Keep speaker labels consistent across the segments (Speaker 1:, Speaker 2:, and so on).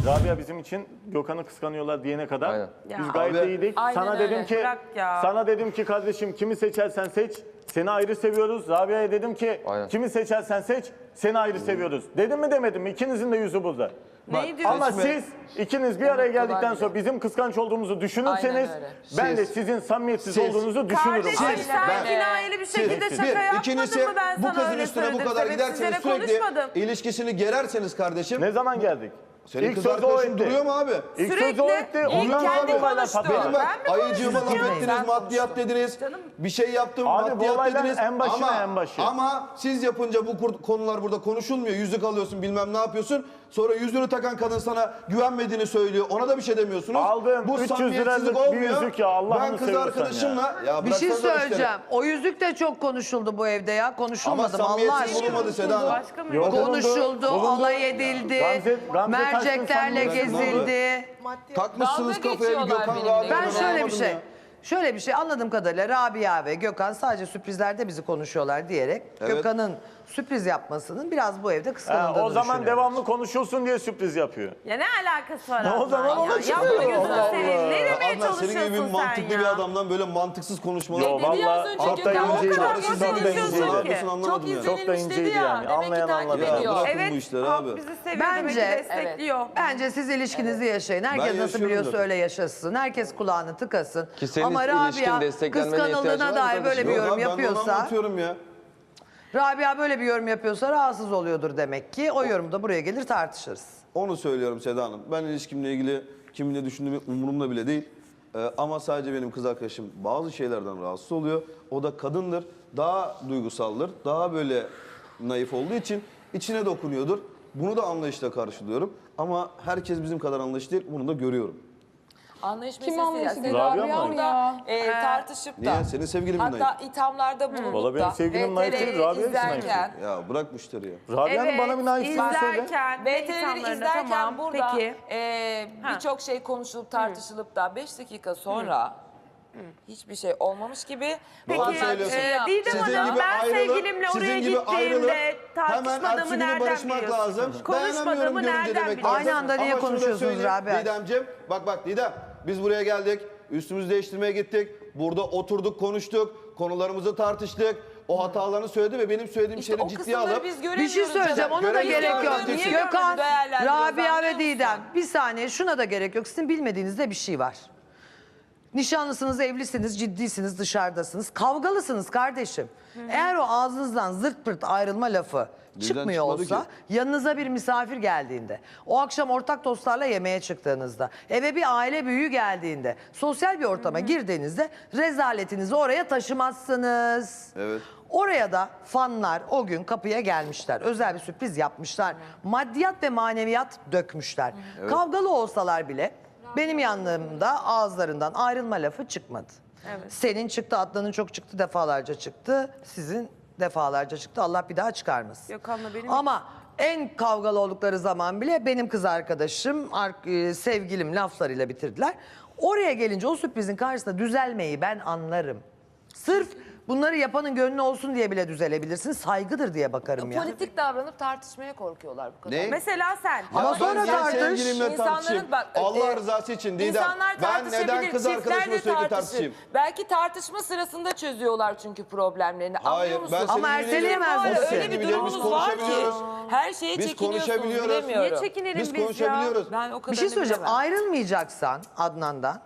Speaker 1: Rabia bizim için Gökhan'ı kıskanıyorlar diyene kadar
Speaker 2: Aynen.
Speaker 1: biz gayet
Speaker 3: Abi,
Speaker 1: iyiydik.
Speaker 4: aynen
Speaker 1: Sana
Speaker 4: öyle.
Speaker 1: dedim ki
Speaker 4: Bırak ya.
Speaker 1: sana dedim ki kardeşim kimi seçersen seç. Seni ayrı seviyoruz. Rabia'ya dedim ki
Speaker 2: Aynen.
Speaker 1: kimi seçersen seç. Seni ayrı seviyoruz. Dedim mi demedim mi? İkinizin de yüzü burada.
Speaker 4: Neyi diyorsun?
Speaker 1: Ama siz ikiniz bir araya geldikten
Speaker 4: bile.
Speaker 1: sonra bizim kıskanç olduğumuzu düşünürseniz
Speaker 4: Aynen öyle.
Speaker 1: ben de
Speaker 3: Siz-
Speaker 1: sizin samimiyetsiz
Speaker 3: siz-
Speaker 1: olduğunuzu düşünürüm.
Speaker 4: Kardeşim
Speaker 1: Hayır.
Speaker 4: sen kinayeli bir şekilde şaka yapmadın
Speaker 3: İkincisi
Speaker 4: mı ben
Speaker 3: bu
Speaker 4: sana
Speaker 3: kızın
Speaker 4: öyle
Speaker 3: üstüne bu
Speaker 4: söyledim.
Speaker 3: kadar
Speaker 4: Sebepsizlere
Speaker 3: giderseniz sürekli
Speaker 4: konuşmadım.
Speaker 3: ilişkisini gererseniz kardeşim.
Speaker 1: Ne zaman geldik?
Speaker 3: Senin
Speaker 1: İlk
Speaker 3: kız
Speaker 1: sözü o
Speaker 3: arkadaşın
Speaker 1: etti.
Speaker 3: duruyor mu abi?
Speaker 1: İlk
Speaker 4: Sürekli
Speaker 1: sözü o etti.
Speaker 4: ilk
Speaker 1: Ondan sonra
Speaker 4: kendi
Speaker 1: olaylar
Speaker 4: konuştu.
Speaker 1: patladı.
Speaker 3: Benim bak
Speaker 4: Ben mi
Speaker 3: ayıcığıma laf
Speaker 4: konuştum?
Speaker 3: ettiniz,
Speaker 4: Sen
Speaker 3: maddiyat dediniz. Bir şey yaptım,
Speaker 1: Abi bu
Speaker 3: maddiyat
Speaker 1: olayların
Speaker 3: dediniz.
Speaker 1: en başı.
Speaker 3: Ama siz yapınca bu konular burada konuşulmuyor. Yüzük alıyorsun, bilmem ne yapıyorsun. Sonra yüzüğünü takan kadın sana güvenmediğini söylüyor. Ona da bir şey demiyorsunuz.
Speaker 1: Aldığım
Speaker 3: bu
Speaker 1: 300
Speaker 3: samimiyetsizlik
Speaker 1: liralık bir
Speaker 3: olmuyor.
Speaker 1: yüzük ya, Allah'ını
Speaker 3: Ben kız
Speaker 1: seviyorsan
Speaker 3: arkadaşımla... Ya
Speaker 5: Bir şey
Speaker 3: bıraksanıza
Speaker 5: söyleyeceğim. O yüzük de çok konuşuldu bu evde ya.
Speaker 3: Ama
Speaker 5: Konuşulmadı mı Allah
Speaker 3: samimiyetsiz
Speaker 5: aşkına?
Speaker 3: bulunmadı Seda Hanım.
Speaker 4: Başka mı?
Speaker 1: Yok.
Speaker 5: Konuşuldu,
Speaker 1: Bulundu.
Speaker 5: alay edildi,
Speaker 1: Gamze
Speaker 5: merceklerle
Speaker 1: Taşkın sen
Speaker 5: gezildi.
Speaker 3: Takmışsınız
Speaker 4: Dalga
Speaker 3: kafaya bir
Speaker 4: geçiyorlar
Speaker 3: Gökhan
Speaker 4: benimle.
Speaker 3: Rabia.
Speaker 5: Ben şöyle bir
Speaker 3: anlamadım
Speaker 5: şey,
Speaker 3: ya.
Speaker 5: şöyle bir şey anladığım kadarıyla Rabia ve Gökhan sadece sürprizlerde bizi konuşuyorlar diyerek
Speaker 3: Evet.
Speaker 5: Gökhan'ın sürpriz yapmasının biraz bu evde kıskanıldığını
Speaker 1: O zaman
Speaker 5: düşünüyorum.
Speaker 1: devamlı konuşulsun diye sürpriz yapıyor.
Speaker 4: Ya ne alakası var?
Speaker 1: O zaman
Speaker 4: Adnan
Speaker 1: ona
Speaker 4: ya?
Speaker 1: çıkıyor.
Speaker 4: Yapma gözünü
Speaker 1: Allah
Speaker 4: seveyim.
Speaker 1: Allah.
Speaker 4: Ne demeye
Speaker 3: Adnan senin
Speaker 4: çalışıyorsun
Speaker 3: gibi bir
Speaker 4: sen
Speaker 3: mantıklı
Speaker 4: ya?
Speaker 3: bir adamdan böyle mantıksız konuşmalar.
Speaker 1: Yo
Speaker 4: dedi ya az
Speaker 1: valla
Speaker 4: önce
Speaker 1: çok da
Speaker 4: Gökhan? O
Speaker 1: inceydi.
Speaker 4: kadar
Speaker 1: Çok
Speaker 4: nasıl
Speaker 1: da
Speaker 4: konuşuyorsun
Speaker 1: inceydi.
Speaker 4: ki?
Speaker 3: Yapıyorsun, anlamadım ya.
Speaker 1: Çok da inceydi yani. Anlayan anladı.
Speaker 3: Ya bırakın bu
Speaker 4: Evet,
Speaker 3: işleri
Speaker 4: halk
Speaker 3: abi.
Speaker 4: bizi seviyor
Speaker 5: Bence-
Speaker 4: demek ki destekliyor.
Speaker 5: Bence siz ilişkinizi yaşayın. Herkes nasıl
Speaker 3: yaşıyorum
Speaker 5: biliyorsa
Speaker 3: zaten.
Speaker 5: öyle yaşasın. Herkes kulağını tıkasın.
Speaker 2: Ki senin
Speaker 5: Ama
Speaker 2: ilişkin
Speaker 5: Rabia
Speaker 2: desteklenmene ihtiyacı var
Speaker 5: kıskanıldığına
Speaker 2: mı
Speaker 5: dair
Speaker 2: kardeşim?
Speaker 5: böyle bir
Speaker 3: Yok
Speaker 5: yorum
Speaker 3: abi, ben de onu
Speaker 5: yapıyorsa...
Speaker 3: anlatıyorum ya.
Speaker 5: Rabia böyle bir yorum yapıyorsa rahatsız oluyordur demek ki. O yorumu da buraya gelir tartışırız.
Speaker 3: Onu söylüyorum Seda Hanım. Ben ilişkimle ilgili kiminle düşündüğümü umurumda bile değil. Ama sadece benim kız arkadaşım bazı şeylerden rahatsız oluyor. O da kadındır. Daha duygusaldır. Daha böyle naif olduğu için içine dokunuyordur. Bunu da anlayışla karşılıyorum. Ama herkes bizim kadar anlayışlı değil. Bunu da görüyorum.
Speaker 6: Anlayış
Speaker 7: Kim
Speaker 6: meselesi.
Speaker 7: anlayışı değil,
Speaker 1: Rabia
Speaker 7: Rabia
Speaker 1: mı?
Speaker 7: mı ya?
Speaker 6: Tartışıp da.
Speaker 3: Niye? Senin sevgilin mi
Speaker 6: Hatta
Speaker 3: naif?
Speaker 6: ithamlarda bulunup
Speaker 1: Valla benim
Speaker 6: da.
Speaker 1: sevgilim naif değil,
Speaker 6: VTR'leri
Speaker 1: Rabia'yı
Speaker 6: izlerken.
Speaker 3: Ya bırak müşteri ya.
Speaker 1: Rabia'nın bana bir naifliğini söyle.
Speaker 4: izlerken, ve
Speaker 6: VTR'leri
Speaker 4: insanlarına
Speaker 6: izlerken
Speaker 4: tamam.
Speaker 6: burada
Speaker 4: Peki.
Speaker 6: birçok şey konuşulup tartışılıp da 5 dakika sonra hiçbir şey olmamış gibi.
Speaker 4: Peki,
Speaker 3: Doğru söylüyorsun.
Speaker 4: Didem
Speaker 3: Sizin
Speaker 4: Hanım
Speaker 3: gibi
Speaker 4: ben
Speaker 3: ayrılıp-
Speaker 4: sevgilimle
Speaker 3: sizin
Speaker 4: oraya
Speaker 3: gibi ayrılıp
Speaker 4: gittiğimde
Speaker 3: hemen
Speaker 4: tartışmadığımı
Speaker 3: ertesi günü
Speaker 4: nereden
Speaker 3: barışmak
Speaker 4: biliyorsun?
Speaker 3: lazım.
Speaker 4: Konuşmadığımı
Speaker 3: Dayanamıyorum görünce
Speaker 4: nereden
Speaker 3: demek
Speaker 4: biliyorsun?
Speaker 3: lazım.
Speaker 5: Aynı anda niye
Speaker 3: Ama şunu da
Speaker 5: konuşuyorsunuz
Speaker 3: söyleyeyim
Speaker 5: Rabia?
Speaker 3: Didemciğim, bak Didem, biz buraya geldik, üstümüzü değiştirmeye gittik. Burada oturduk, konuştuk, konularımızı tartıştık. O hatalarını söyledi ve benim söylediğim
Speaker 6: İşte
Speaker 3: şeyleri
Speaker 6: o
Speaker 3: ciddiye
Speaker 6: kısımları
Speaker 3: alıp...
Speaker 6: biz
Speaker 5: Bir
Speaker 6: göremiyoruz.
Speaker 5: şey söyleyeceğim ona da
Speaker 3: Göremiyoruz.
Speaker 5: gerek yok.
Speaker 3: Niye
Speaker 6: görmüyoruz?
Speaker 5: Gökhan,
Speaker 6: Değerlendiriyoruz,
Speaker 5: Rabia
Speaker 6: anlıyor
Speaker 5: ve
Speaker 6: musun?
Speaker 5: Didem bir saniye şuna da gerek yok. Sizin bilmediğinizde bir şey var. Nişanlısınız, evlisiniz, ciddisiniz, dışarıdasınız. Kavgalısınız kardeşim. Eğer o ağzınızdan zırt pırt ayrılma lafı çıkmıyor
Speaker 3: çıkmadı
Speaker 5: olsa,
Speaker 3: ki.
Speaker 5: yanınıza bir misafir geldiğinde, o akşam ortak dostlarla yemeğe çıktığınızda, eve bir aile büyüğü geldiğinde, sosyal bir ortama girdiğinizde rezaletinizi oraya taşımazsınız.
Speaker 3: Evet.
Speaker 5: Oraya da fanlar o gün kapıya gelmişler. Özel bir sürpriz yapmışlar. Maddiyat ve maneviyat dökmüşler. Kavgalı olsalar bile benim yanlarımda ağızlarından ayrılma lafı çıkmadı. Senin çıktı, Adnan'ın çok çıktı, defalarca çıktı. Sizin defalarca çıktı. Allah bir daha çıkarmasın.
Speaker 4: Gökhan'la benim
Speaker 5: Ama en kavgalı oldukları zaman bile benim kız arkadaşım, sevgilim laflarıyla bitirdiler. Oraya gelince o sürprizin karşısında düzelmeyi ben anlarım. Sırf bunları yapanın gönlü olsun diye bile düzelebilirsin. Saygıdır diye bakarım ya.
Speaker 6: Politik davranıp tartışmaya korkuyorlar bu kadar.
Speaker 3: Ne?
Speaker 4: Mesela sen.
Speaker 5: Ama
Speaker 3: Ya
Speaker 5: sonra
Speaker 3: ben niye
Speaker 5: tartış.
Speaker 3: sevgilimle
Speaker 6: İnsanların
Speaker 3: tartışayım?
Speaker 6: bak,
Speaker 3: Allah rızası için Didem.
Speaker 6: İnsanlar
Speaker 3: Ben neden
Speaker 6: tartışabilir,
Speaker 3: kız
Speaker 6: çiftler
Speaker 3: arkadaşımla
Speaker 6: de
Speaker 3: sürekli
Speaker 6: tartışır.
Speaker 3: tartışayım?
Speaker 6: Belki tartışma sırasında çözüyorlar çünkü problemlerini.
Speaker 3: Hayır,
Speaker 6: Anlıyor musun?
Speaker 3: ben
Speaker 5: Ama
Speaker 3: senin gibi
Speaker 5: erteleyemez
Speaker 3: değilim.
Speaker 5: misin?
Speaker 3: O
Speaker 6: Öyle
Speaker 3: senin
Speaker 6: bir
Speaker 3: gibi değil, biz
Speaker 6: durumunuz var ki
Speaker 3: konuşabiliyoruz.
Speaker 6: her şeye
Speaker 3: Biz
Speaker 6: çekiniyorsunuz,
Speaker 3: konuşabiliyoruz.
Speaker 6: bilemiyorum.
Speaker 4: Niye çekinelim
Speaker 3: Biz
Speaker 4: biz
Speaker 3: konuşabiliyoruz.
Speaker 6: Ben o kadar
Speaker 5: Bir şey söyleyeceğim. Ayrılmayacaksan Adnan'dan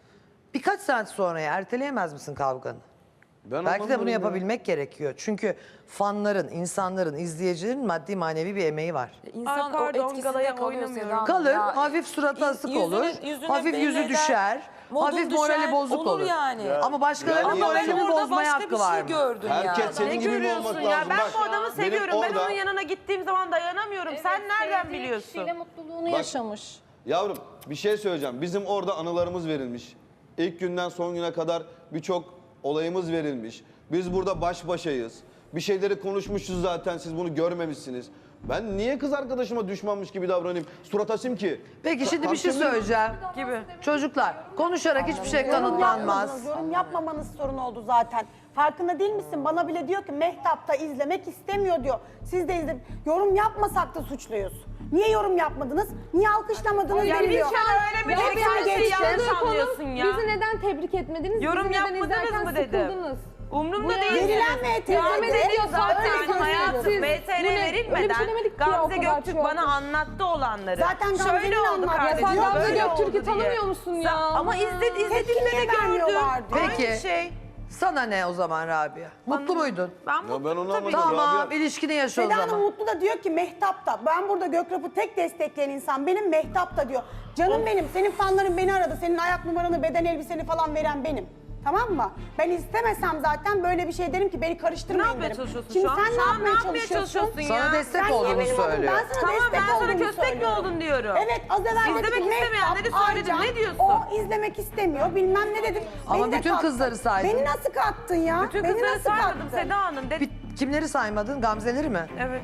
Speaker 5: birkaç saat sonraya erteleyemez misin kavganı?
Speaker 3: Ben
Speaker 5: Belki de bunu
Speaker 3: anlamıyorum ya.
Speaker 5: yapabilmek gerekiyor. Çünkü fanların, insanların, izleyicilerin maddi manevi bir emeği var.
Speaker 6: İnsan
Speaker 4: Ay pardon,
Speaker 6: o etkisinde
Speaker 4: galaya
Speaker 6: kalıyor
Speaker 4: oynamıyorum.
Speaker 6: Seda Hanım.
Speaker 5: Kalır,
Speaker 6: Ya,
Speaker 5: hafif suratı asık
Speaker 6: yüzünü-
Speaker 5: olur,
Speaker 6: yüzünü
Speaker 5: hafif
Speaker 6: belli
Speaker 5: yüzü
Speaker 6: eder,
Speaker 5: düşer,
Speaker 6: modun
Speaker 5: hafif
Speaker 6: düşer,
Speaker 5: morali bozuk olur.
Speaker 6: yani.
Speaker 5: Ama başkalarının
Speaker 3: Yani
Speaker 6: Ama ben
Speaker 5: moralini
Speaker 6: orada
Speaker 5: bozmaya
Speaker 6: başka
Speaker 5: hakkı
Speaker 6: bir
Speaker 5: var
Speaker 6: şey
Speaker 5: mı?
Speaker 6: gördüm
Speaker 3: Herkes
Speaker 6: ya.
Speaker 3: senin
Speaker 4: Ne
Speaker 3: gibi mi
Speaker 4: görüyorsun
Speaker 3: olmak
Speaker 4: ya?
Speaker 3: lazım?
Speaker 4: Ben
Speaker 3: Bak,
Speaker 4: bu adamı
Speaker 3: benim
Speaker 4: seviyorum. Ben
Speaker 3: orada-
Speaker 4: onun yanına gittiğim zaman dayanamıyorum. Sen nereden
Speaker 7: Sevdiği
Speaker 4: biliyorsun?
Speaker 7: kişiyle mutluluğunu yaşamış.
Speaker 3: Yavrum bir şey söyleyeceğim. Bizim orada anılarımız verilmiş. İlk günden son güne kadar birçok olayımız verilmiş. Biz burada baş başayız. Bir şeyleri konuşmuşuz zaten, siz bunu görmemişsiniz. Ben niye kız arkadaşıma düşmanmış gibi davranayım? Surat asayım ki.
Speaker 5: Peki şimdi bir şey
Speaker 3: Tartışabilir miyim?
Speaker 5: söyleyeceğim.
Speaker 4: Gibi.
Speaker 5: Çocuklar konuşarak hiçbir şey
Speaker 8: Yorum
Speaker 5: kanıtlanmaz.
Speaker 8: yapmadınız, yorum yapmamanız sorun oldu zaten. Farkında değil misin? Bana bile diyor ki Mehtap da izlemek istemiyor diyor. Siz de izle. Yorum yapmasak da suçluyuz. Niye yorum yapmadınız? Niye alkışlamadınız
Speaker 4: Ya
Speaker 8: deniliyor.
Speaker 4: bir kere öyle bir
Speaker 8: Ve
Speaker 4: şey
Speaker 8: hepsini
Speaker 4: her şeyi
Speaker 8: geçtim.
Speaker 4: yanlış
Speaker 7: Konu,
Speaker 4: anlıyorsun ya.
Speaker 7: bizi neden tebrik etmediniz?
Speaker 4: Yorum
Speaker 7: bizi neden
Speaker 4: yapmadınız
Speaker 7: izlerken
Speaker 4: mı dedim.
Speaker 7: sıkıldınız?
Speaker 4: Umrumda
Speaker 7: Bu
Speaker 4: değil.
Speaker 8: Verilen
Speaker 7: Devam ediyor zaten.
Speaker 4: Zaten hayatım
Speaker 7: Siz-
Speaker 4: VTR
Speaker 7: bu ne? Öyle bir
Speaker 4: verilmeden
Speaker 7: şey demedik ki ya, o
Speaker 4: Gamze
Speaker 7: kadar
Speaker 4: Göktürk
Speaker 7: çok.
Speaker 4: bana anlattı olanları.
Speaker 8: Zaten Gamze'nin
Speaker 4: şöyle oldu
Speaker 8: anlattığı.
Speaker 4: kardeşim.
Speaker 7: Ya sen Gamze
Speaker 4: böyle
Speaker 7: Göktürk'ü
Speaker 4: oldu diye.
Speaker 7: tanımıyor musun ya?
Speaker 4: Ama izlediğimde
Speaker 8: Tepki
Speaker 4: de gördüm.
Speaker 8: vermiyorlardı.
Speaker 5: Peki.
Speaker 4: Aynı şey.
Speaker 5: Sana ne o zaman Rabia? Mutlu muydun?
Speaker 3: Ya ben onu
Speaker 4: tabii.
Speaker 3: anlamadım.
Speaker 5: Tamam,
Speaker 3: Rabia.
Speaker 5: ilişkini yaşa o
Speaker 8: Seda
Speaker 5: zaman.
Speaker 8: Hanım Mutlu da diyor ki Mehtap da. Ben burada Gökrap'ı tek destekleyen insan benim, Mehtap da diyor. Canım benim, senin fanların beni aradı. Senin ayak numaranı, beden elbiseni falan veren benim. Tamam mı? Ben istemesem zaten böyle bir şey derim ki beni
Speaker 4: Ne
Speaker 8: karıştırmayın
Speaker 4: yapmaya
Speaker 8: derim.
Speaker 4: çalışıyorsun
Speaker 8: Şimdi
Speaker 4: şu an?
Speaker 8: sen
Speaker 4: Şu an
Speaker 8: ne yapmaya çalışıyorsun?
Speaker 4: ya?
Speaker 5: Sana destek
Speaker 8: Sen niye
Speaker 5: olduğunu
Speaker 8: benim adım?
Speaker 5: söylüyor.
Speaker 8: Ben sana
Speaker 4: Tamam,
Speaker 8: destek
Speaker 4: ben sana
Speaker 8: olduğunu
Speaker 4: köstek mi
Speaker 8: söylüyorum.
Speaker 4: oldun diyorum.
Speaker 8: Evet, az evvel
Speaker 4: İzlemek
Speaker 8: dedik ki
Speaker 4: istemeyenleri
Speaker 8: Mehtap,
Speaker 4: söyledim.
Speaker 8: Arcan,
Speaker 4: Ne diyorsun?
Speaker 8: O izlemek istemiyor, bilmem ne dedim.
Speaker 5: Ama
Speaker 8: Beni de
Speaker 5: bütün
Speaker 8: kattın.
Speaker 5: kızları saydın.
Speaker 8: Beni nasıl kattın ya?
Speaker 4: Bütün
Speaker 8: Beni
Speaker 4: kızları
Speaker 8: nasıl
Speaker 4: saymadım
Speaker 8: kattın?
Speaker 4: Seda Hanım.
Speaker 5: Kimleri saymadın? Gamzeleri mi?
Speaker 4: Evet.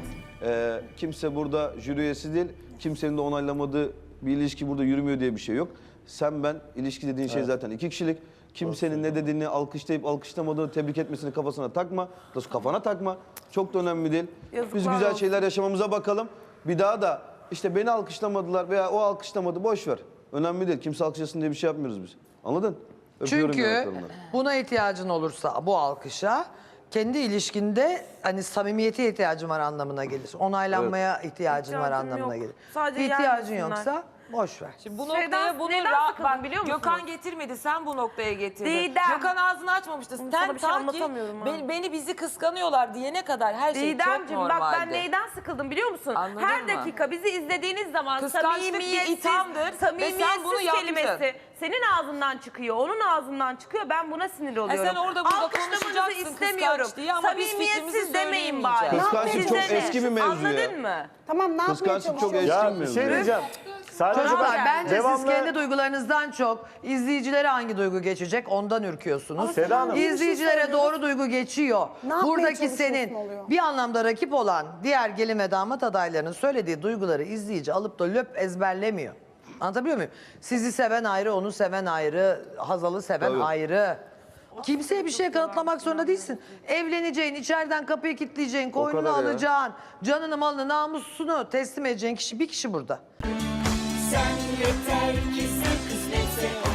Speaker 3: Kimse burada jüri üyesi değil. Kimsenin de onaylamadığı bir ilişki burada yürümüyor diye bir şey yok. Sen ben ilişki dediğin şey zaten iki kişilik. Kimsenin ne dediğini alkışlayıp alkışlamadığını tebrik etmesini kafasına takma. Kafana takma. Çok da önemli değil. Biz
Speaker 4: Yazıklar
Speaker 3: güzel
Speaker 4: olsun.
Speaker 3: şeyler yaşamamıza bakalım. Bir daha da işte beni alkışlamadılar veya o alkışlamadı boş ver. Önemli değil. Kimse alkışlasın diye bir şey yapmıyoruz biz. Anladın? Öpüyorum
Speaker 5: Çünkü
Speaker 3: yanaklarından.
Speaker 5: buna ihtiyacın olursa bu alkışa kendi ilişkinde hani samimiyete ihtiyacın var anlamına gelir. Onaylanmaya ihtiyacın var
Speaker 4: İhtiyacım
Speaker 5: anlamına
Speaker 4: yok.
Speaker 5: gelir.
Speaker 4: Sadece
Speaker 5: İhtiyacın
Speaker 4: gelmesinler.
Speaker 5: yoksa boş ver.
Speaker 6: Şimdi bu
Speaker 4: Şeyden-
Speaker 6: noktaya bunu
Speaker 4: neden sıkıldım biliyor musunuz?
Speaker 6: Gökhan getirmedi, sen bu noktaya getirdin.
Speaker 4: Didem.
Speaker 6: Gökhan ağzını açmamıştı.
Speaker 4: Sana
Speaker 6: Sen
Speaker 4: bir şey
Speaker 6: ta ki
Speaker 4: anlatamıyorum ha.
Speaker 6: beni bizi kıskanıyorlar diyene kadar her şey çok
Speaker 4: Didemciğim
Speaker 6: normaldi.
Speaker 4: bak ben neyden sıkıldım biliyor musun?
Speaker 6: Anladın
Speaker 4: Her
Speaker 6: mı?
Speaker 4: dakika bizi izlediğiniz zaman
Speaker 6: Kıskançlık bir ithamdır ve sen
Speaker 4: samimiyetsiz
Speaker 6: bunu yaptın.
Speaker 4: kelimesi senin ağzından çıkıyor, onun ağzından çıkıyor. Ben buna sinir oluyorum.
Speaker 6: sen orada burada
Speaker 4: Alkışlamanızı
Speaker 6: konuşacaksın
Speaker 4: istemiyorum.
Speaker 6: kıskanç diye ama biz fikrimizi
Speaker 4: Samimiyetsiz demeyin bari.
Speaker 6: söyleyemeyeceğiz.
Speaker 3: Kıskançlık
Speaker 4: Size
Speaker 3: çok
Speaker 4: ne?
Speaker 3: eski bir mevzu ya.
Speaker 4: Anladın mı?
Speaker 8: Tamam, ne yapmaya
Speaker 3: Kıskançlık çok
Speaker 8: çalışıyorsun?
Speaker 3: eski
Speaker 1: Ya
Speaker 3: bir
Speaker 1: bir
Speaker 3: mevzu.
Speaker 1: şey diyeceğim. Sadece
Speaker 5: Çocuklar
Speaker 1: bak,
Speaker 5: bence
Speaker 1: devamlı-
Speaker 5: siz kendi duygularınızdan çok izleyicilere hangi duygu geçecek ondan ürküyorsunuz.
Speaker 1: Seda Hanım.
Speaker 5: İzleyicilere doğru duygu geçiyor.
Speaker 8: Ne yapmaya
Speaker 5: Buradaki
Speaker 8: çalışıyorsun
Speaker 5: senin
Speaker 8: oluyor?
Speaker 5: bir anlamda rakip olan diğer gelin ve damat adaylarının söylediği duyguları izleyici alıp da löp ezberlemiyor. Anlatabiliyor muyum? Sizi seven ayrı, onu seven ayrı, Hazal'ı seven
Speaker 3: Tabii.
Speaker 5: ayrı. Kimseye bir şey kanıtlamak zorunda değilsin. Evleneceğin, içeriden kapıyı kilitleyeceğin, koynunu
Speaker 3: kadar ya.
Speaker 5: alacaksın, canını, malını, namusunu teslim edeceğin kişi bir kişi burada.
Speaker 2: Sen yeter ki sen kısmetse